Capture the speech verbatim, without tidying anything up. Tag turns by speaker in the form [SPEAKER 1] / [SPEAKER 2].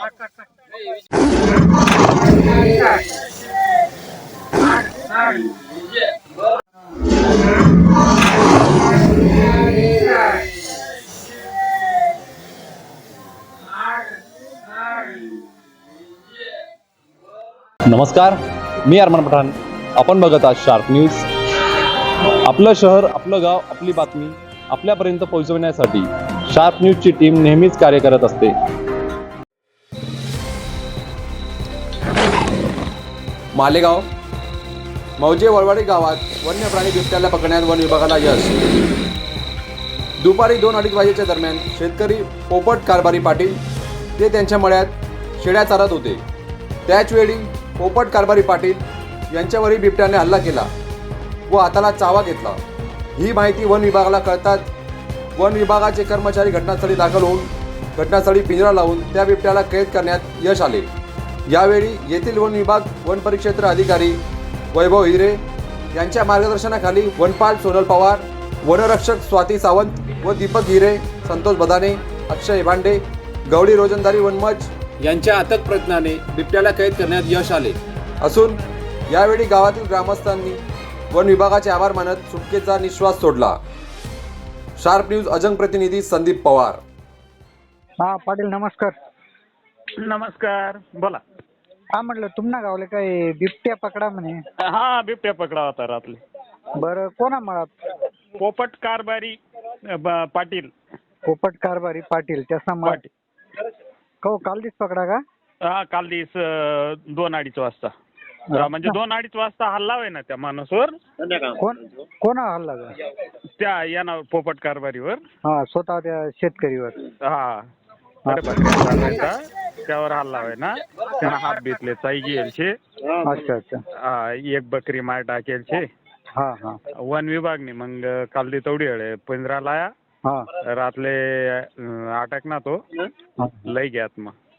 [SPEAKER 1] नमस्कार, मी अरमान पठाण. आपण बघत आहात शार्प न्यूज. आपलं शहर, आपलं गाव, आपली बातमी आपल्यापर्यंत पोहोचवण्यासाठी शार्प न्यूजची टीम नेहमीच कार्य करत असते.
[SPEAKER 2] मालेगाव मौजे वळवाडी गावात वन्य प्राणी बिबट्याला पकडण्यात वन विभागाला यश. दुपारी दोन अडीच वाजेच्या दरम्यान शेतकरी पोपट कारभारी पाटील ते त्यांच्या मळ्यात शेळ्या चारत होते. त्याचवेळी पोपट कारभारी पाटील यांच्यावरही बिबट्याने हल्ला केला व हाताला चावा घेतला. ही माहिती वन विभागाला कळताच वन विभागाचे कर्मचारी घटनास्थळी दाखल होऊन घटनास्थळी पिंजरा लावून त्या बिबट्याला कैद करण्यात यश आले. यावेळी येथील वन विभाग वन परिक्षेत्र अधिकारी वैभव हिरे यांच्या मार्गदर्शनाखाली वनपाल सोनल पवार, वनरक्षक स्वाती सावंत व दीपक हिरे, संतोष बदाने, अक्षय भांडे, गवळी रोजंदारी वनमज यांच्या अथक प्रयत्नाने बिबट्याला कैद करण्यात यश आले असून यावेळी गावातील ग्रामस्थांनी वन विभागाचे आभार मानत सुटकेचा निश्वास सोडला. शार्प न्यूज अजंग प्रतिनिधी संदीप पवार.
[SPEAKER 3] हा पाटील नमस्कार.
[SPEAKER 4] नमस्कार, बोला.
[SPEAKER 3] हा म्हटलं तुम्हाला गावले काय बिबट्या पकडा म्हणे.
[SPEAKER 4] हा, बिबट्या पकडा होता रात्री.
[SPEAKER 3] बरं कोणा मळात?
[SPEAKER 4] पोपट कारभारी ब- पाटील.
[SPEAKER 3] पोपट कारभारी पाटील त्याचा मळ.
[SPEAKER 4] पाटील.
[SPEAKER 3] हो काल दिस पकडा का?
[SPEAKER 4] हा, काल दिस अं, दोन अडीच वाजता. अं, म्हणजे दोन अडीच वाजता हल्ला होय ना त्या माणूसवर.
[SPEAKER 3] कोण कोणा हल्ला का?
[SPEAKER 4] त्या याना पोपट कारभारीवर.
[SPEAKER 3] हा स्वतः त्या शेतकरीवर.
[SPEAKER 4] हा अरे बकऱ्या चारायचा, त्यावर हल्ला होय ना. त्यानं हात बेतले चाई गेलचे.
[SPEAKER 3] अच्छा अच्छा.
[SPEAKER 4] हा, एक बकरी मार टाकेलचे.
[SPEAKER 3] हा हा
[SPEAKER 4] वन विभागने मग काल दी तेवढी वेळ पिंजरा लाया.
[SPEAKER 3] हा
[SPEAKER 4] रातले अं, अटक ना तो
[SPEAKER 3] हा.
[SPEAKER 4] लई घ्यात मग.